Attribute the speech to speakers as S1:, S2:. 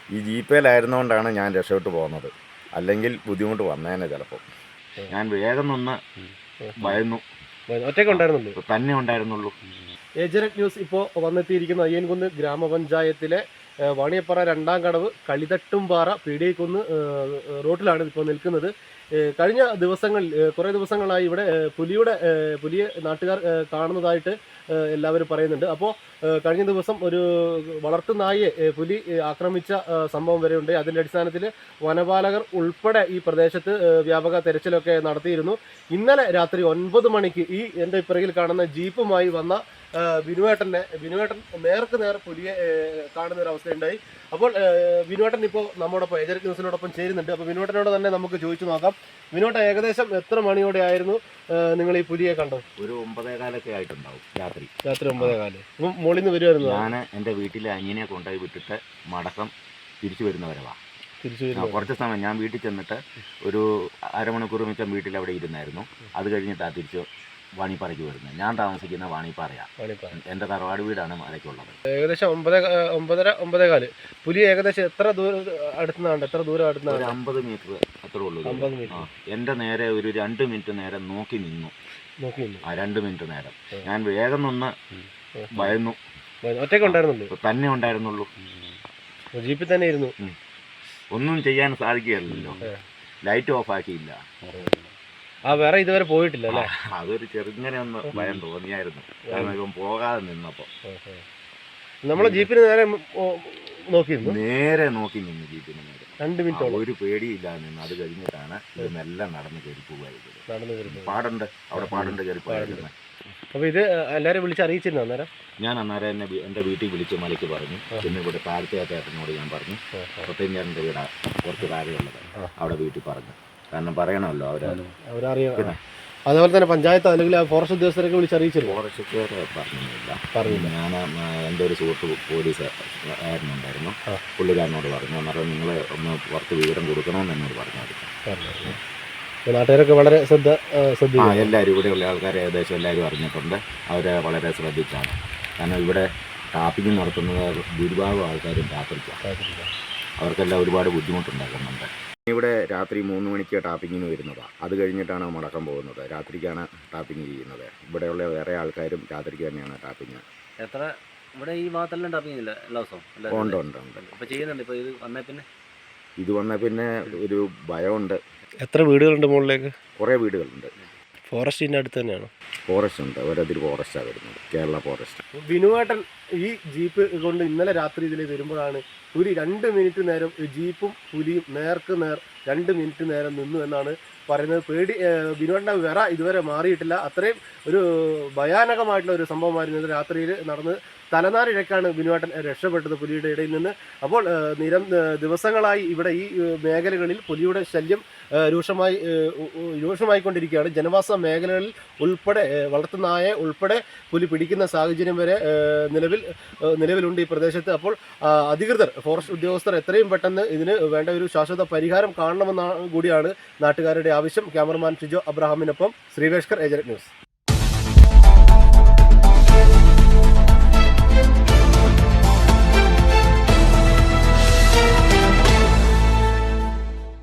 S1: ഈ ജീപ്പയിലായിരുന്നുകൊണ്ടാണ് ഞാൻ രക്ഷപ്പെട്ടു പോകുന്നത്. അല്ലെങ്കിൽ ബുദ്ധിമുട്ട് വന്നേനെ ചിലപ്പോൾ. ഞാൻ വേഗം നിന്ന് ഭയന്നു.
S2: ഒറ്റയ്ക്ക് ഉണ്ടായിരുന്നുള്ളൂ,
S1: തന്നെ ഉണ്ടായിരുന്നുള്ളൂ.
S2: ഏജനറ്റ് ന്യൂസ് ഇപ്പോൾ വന്നെത്തിയിരിക്കുന്ന അയ്യൻകുന്ന് ഗ്രാമപഞ്ചായത്തിലെ വാണിയപ്പാറ രണ്ടാം കടവ് കളിതട്ടുംപാറ പീടികക്കുന്ന് റോട്ടിലാണ് ഇപ്പോൾ നിൽക്കുന്നത്. കഴിഞ്ഞ ദിവസങ്ങളിൽ കുറേ ദിവസങ്ങളായി ഇവിടെ പുലിയെ നാട്ടുകാർ കാണുന്നതായിട്ട് എല്ലാവരും പറയുന്നുണ്ട്. അപ്പോൾ കഴിഞ്ഞ ദിവസം ഒരു വളർത്തുനായെ പുലി ആക്രമിച്ച സംഭവം വരെ ഉണ്ട്. അതിൻ്റെ അടിസ്ഥാനത്തിൽ വനപാലകർ ഉൾപ്പെടെ ഈ പ്രദേശത്ത് വ്യാപക തെരച്ചിലൊക്കെ നടത്തിയിരുന്നു. ഇന്നലെ രാത്രി 9 മണിക്ക് ഈ എൻ്റെ പിറകിൽ കാണുന്ന ജീപ്പുമായി വന്ന വിനുവേട്ടൻ നേർക്ക് നേർ പുലിയെ കാണുന്ന ഒരു അവസ്ഥയുണ്ടായി. അപ്പോൾ വിനുവേട്ടൻ ഇപ്പോൾ നമ്മോടൊപ്പം ഏജന്റ് ന്യൂസിനോടൊപ്പം ചേരുന്നുണ്ട്. അപ്പോൾ വിനുവേട്ടനോട് തന്നെ നമുക്ക് ചോദിച്ചു നോക്കാം. വിനുവേട്ടൻ, ഏകദേശം എത്ര മണിയോടെ ആയിരുന്നു നിങ്ങൾ ഈ പുലിയെ കണ്ടത്?
S1: ഒരു 9:15 ആയിട്ടുണ്ടാവും. രാത്രി
S2: 9:15. മോളിൽ നിന്ന് വരുമായിരുന്നു.
S1: ഞാൻ എൻ്റെ വീട്ടിലെ അനിയനെ കൊണ്ടുപോയി വിട്ടിട്ട് മടക്കം തിരിച്ചു വരുന്നവരവാ. കുറച്ച് സമയം ഞാൻ വീട്ടിൽ ചെന്നിട്ട് ഒരു അരമണിക്കൂർ മിച്ചം വീട്ടിൽ അവിടെ ഇരുന്നായിരുന്നു. അത് കഴിഞ്ഞിട്ടാണ് തിരിച്ച് വാണിപ്പാറയ്ക്ക് വരുന്നത്. ഞാൻ താമസിക്കുന്ന വാണിപ്പാറയാണ്. എൻ്റെ തറവാട് വീടാണ് മലയ്ക്കുള്ളത്.
S2: ഏകദേശം 9:15. പുലി ഏകദേശം എത്ര ദൂരം അടുത്തുനിന്നാണ്? ഒരു
S1: 50 മീറ്റർ അത്രേ ഉള്ളൂ. എൻ്റെ നേരെ ഒരു 2 മിനിറ്റ് നേരം നോക്കി നിന്നു. 2 മിനിറ്റ് നേരം ഞാൻ വേഗം നിന്ന് ഭയന്നു.
S2: ഒറ്റയ്ക്ക് ഉണ്ടായിരുന്നുള്ളൂ,
S1: തന്നെ ഉണ്ടായിരുന്നുള്ളൂ.
S2: ജീപ്പിൽ തന്നെ ഇരുന്നു.
S1: ഒന്നും ചെയ്യാൻ സാധിക്കുകയല്ലോ. Light of ആക്കിയില്ല.
S2: വേറെ ഇതുവരെ പോയിട്ടില്ല അല്ലേ?
S1: അതൊരു ചെറുങ്ങനെ ഒന്ന് ഭയം തോന്നിയായിരുന്നു. കാരണം ഇവൻ പോകാതെ നിന്നപ്പോ
S2: നമ്മള് ജീപ്പിന് നേരെ
S1: നോക്കി നിന്നു. ജീപ്പിന് നേരെ
S2: 2 മിനിറ്റ്
S1: ഒരു പേടിയില്ലാതെ നിന്ന്. അത് കഴിഞ്ഞിട്ടാണ് ഇതെല്ലാം നടന്ന് കയറി പോകുമായിരുന്നു. പാടുണ്ട്, അവിടെ പാടുണ്ട് കയറി പോയായിരുന്നു.
S2: അപ്പൊ ഇത് എല്ലാരും വിളിച്ച് അറിയിച്ചിരുന്നു അന്നേരം?
S1: ഞാൻ അന്നേരം എന്നെ എൻ്റെ വീട്ടിൽ വിളിച്ച് മലയ്ക്ക് പറഞ്ഞു. പിന്നെ ഇവിടെ താഴത്തെ ചേട്ടനോട് ഞാൻ പറഞ്ഞു. സത്യഞ്ചേട്ടൻ്റെ വീടാ കുറച്ച് താഴെയുള്ളത്. അവിടെ വീട്ടിൽ പറഞ്ഞു. കാരണം പറയണമല്ലോ,
S2: അവരറിയണം. അതുപോലെ തന്നെ പഞ്ചായത്ത് അല്ലെങ്കിൽ ഫോറസ്റ്റ് ഉദ്യോഗസ്ഥരൊക്കെ വിളിച്ച് അറിയിച്ചിരുന്നു?
S1: ഫോറസ്റ്റ് പറഞ്ഞില്ല. ഞാൻ എൻ്റെ ഒരു സുഹൃത്ത് പോലീസ് ആയിരുന്നുണ്ടായിരുന്നു. പുള്ളിക്കാരനോട് പറഞ്ഞു. അന്നേരം നിങ്ങൾ ഒന്ന് പുറത്ത് വിവരം കൊടുക്കണമെന്ന് എന്നോട് പറഞ്ഞായിരുന്നു.
S2: നാട്ടുകാരൊക്കെ വളരെ
S1: എല്ലാവരും ഇവിടെയുള്ള ആൾക്കാർ ഏകദേശം എല്ലാവരും അറിഞ്ഞിട്ടുണ്ട്. അവരെ വളരെ ശ്രദ്ധിച്ചാണ്. കാരണം ഇവിടെ ടാപ്പിംഗ് നടത്തുന്നത് ഭൂരിഭാഗം ആൾക്കാരും രാത്രിക്കാണ്. അവർക്കെല്ലാം ഒരുപാട് ബുദ്ധിമുട്ടുണ്ടാക്കുന്നുണ്ട്. ഇവിടെ രാത്രി 3 മണിക്ക് ടാപ്പിങ്ങിന് വരുന്നതാണ്. അത് കഴിഞ്ഞിട്ടാണ് മടക്കം പോകുന്നത്. രാത്രിക്കാണ് ടാപ്പിംഗ് ചെയ്യുന്നത്. ഇവിടെയുള്ള വേറെ ആൾക്കാരും രാത്രിക്ക് തന്നെയാണ് ടാപ്പിങ്.
S3: ഇവിടെ ഈ ഭാഗത്തെല്ലാം ടാപ്പിംഗ് ഇല്ല എല്ലാ ദിവസവും?
S1: ഉണ്ട്.
S3: അപ്പോൾ ചെയ്യുന്നുണ്ട്. ഇപ്പോൾ
S1: ഇത് വന്ന പിന്നെ ഒരു ഭയമുണ്ട്.
S2: എത്ര വീടുകളുണ്ട് മുകളിലേക്ക്?
S1: കുറേ വീടുകളുണ്ട്.
S2: ഫോറസ്റ്റിൻ്റെ അടുത്ത് തന്നെയാണോ?
S1: ഫോറസ്റ്റ് ഉണ്ട്. ഒരതിരി ഫോറസ്റ്റാണ് വരുന്നത്, കേരള ഫോറസ്റ്റ്.
S2: വിനുവേട്ടൻ ഈ ജീപ്പ് കൊണ്ട് ഇന്നലെ രാത്രി ഇതിൽ വരുമ്പോഴാണ് ഒരു 2 മിനിറ്റ് നേരം ജീപ്പും പുലിയും നേർക്ക് നേർ 2 മിനിറ്റ് നേരം നിന്നു എന്നാണ് പറയുന്നത്. വിനുവേട്ടൻ്റെ വിറ ഇതുവരെ മാറിയിട്ടില്ല. അത്രയും ഒരു ഭയാനകമായിട്ടുള്ള ഒരു സംഭവമായിരുന്നു രാത്രിയിൽ നടന്നത്. തലനാരിഴക്കാണ് വിനുവേട്ടൻ രക്ഷപ്പെട്ടത് പുലിയുടെ ഇടയിൽ നിന്ന്. അപ്പോൾ ദിവസങ്ങളായി ഇവിടെ ഈ മേഖലകളിൽ പുലിയുടെ ശല്യം രൂക്ഷമായിക്കൊണ്ടിരിക്കുകയാണ്. ജനവാസ മേഖലകളിൽ ഉൾപ്പെടെ വളർത്തുനായെ ഉൾപ്പെടെ പുലി പിടിക്കുന്ന സാഹചര്യം വരെ നിലവിലുണ്ട് ഈ പ്രദേശത്ത്. അപ്പോൾ അധികൃതർ, ഫോറസ്റ്റ് ഉദ്യോഗസ്ഥർ എത്രയും പെട്ടെന്ന് ഇതിന് വേണ്ട ഒരു ശാശ്വത പരിഹാരം കാണണമെന്നാണ് കൂടിയാണ് നാട്ടുകാരുടെ ആവശ്യം. ക്യാമറമാൻ ഷിജോ അബ്രഹാമിനൊപ്പം ശ്രീവേഷ്കർ, ഏജന്റ് ന്യൂസ്.